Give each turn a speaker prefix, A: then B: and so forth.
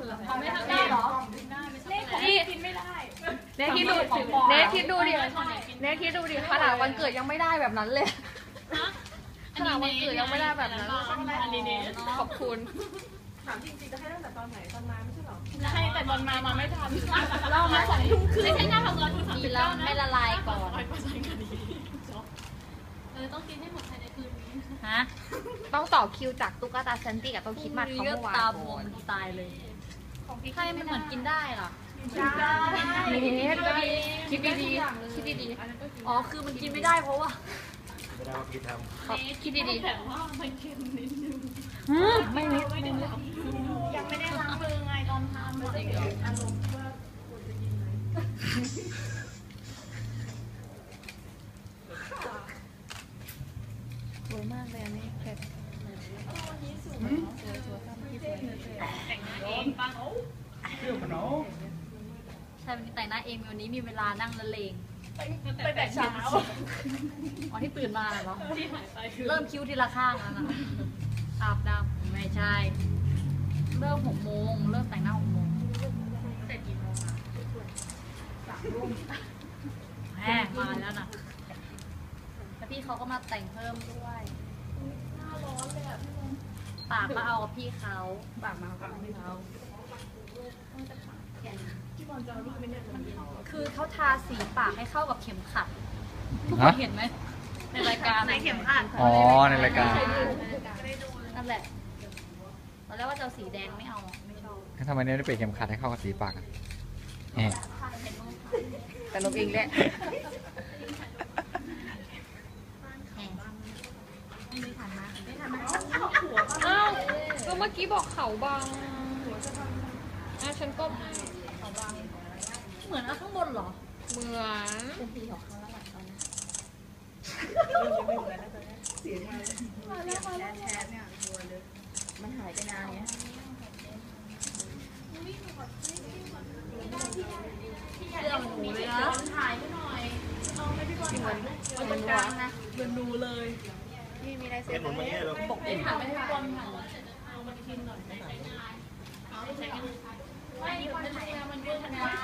A: เขาไม่ทำได้หรอนี่กินไม่ได้เนคิดดูดิเนคิดดูดิขนาดวันเกิดยังไม่ได้แบบนั้นเลยขนาดวันเกิดยังไม่ได้แบบนั้นขอบคุณ
B: ถามจริงๆจะให้ตั้งแต่ตอนไหนตอนมาไม่ใช่หรอ
A: ให้แต่ตอนมาไม่ทันเรามา2 ทุ่มครึ่งไม่ใช่หน้าทำงานคุณ
C: ดีแล้วไม่ละลายก่อน
A: ต้องกินให้หมดภายในคืนนี้
C: ฮะ
A: ต้องต่อคิวจากตุ๊กตาแซนตี้กับต้องคิดมาเขาเมื่อวาน
C: ตาบวมตายเลยใช่ไม่เหมือนกินได้หรอ
A: คิดดี
C: อ๋อคือมันกินไม่ได้เพราะว่า
D: ไม่ได้ว่าพี่ท
A: ำคิดดีแต่ว่ามันเค็มนิดนึง
C: ไม่นิด
A: ยังไม่ได้ล้างมือไงตอนทำมันจะอารมณ์ว่าควรจะกินไหม
C: สวยมากเลยอันนี้เผ็ด
A: แต่งหน้าเองปังโอ้
D: เรื่องขนม
C: ใช่วันนี้แต่งหน้าเองวันนี้มีเวลานั่งละเลง
A: ไปแต่เช้า
C: อ๋อที่ตื่นมาเหรอ
A: ที่หายไป
C: เริ่มคิ้วทีละข้างแล้วนะอาบน้ำไม่ใช่เริ่ม6 โมงเริ่มแต่งหน้า6 โมง
A: แต่กี่โมงอะ
C: 3 ทุ่มแหมมาแล้วนะแล้วพี่เขาก็มาแต่งเพิ่มด้วย
A: หน้าร้อนเลยอ่ะพี่มน
C: ปากมาเอากับพี่เขา
A: ปากมากับพี่เขาพี่มนจะเอาลูกไม่ได้มัน
C: คือเขาทาสีปากให้เข้ากับเข็มขัดทุกคนเห็นไหมในรายการ
A: ในเข็มขัด
D: อ๋อในรายการ
C: นั่นแหละตอนแรกว่าจะสีแดงไม่เอาไม่ชอบ
D: ทำไมเนี่ยไม่เปลี่ยนเข็มขัดให้เข้ากับสีปากอ่ะ
A: แต่ลบเองแหละอ้าวก็เมื่อกี้บอกเขาบางฉันก็
C: เขาบางเหมือนข้างบนเหรอ
A: เหมือน
C: เป็นสีของเขาแล้วตอนนี้
B: เสียงมาแชทเนี่ยบัวเลยมันหายไปนานเนี้ย
C: เรื่องหนูเลยนะ
A: ถ่ายให้หน่อยเอาไม่พี่บอลถ่าย
C: มันตรงกลางนะ
A: เดินดูเลย
B: นี่มีอะไรเสร็จ
A: บอกให้ถ่ายไม่พี่บอลถ่ายเอามากินหน่อยไม่ใช้งานเอาใช้งานไม่พี่บอลถ่ายมันเยอะขนาด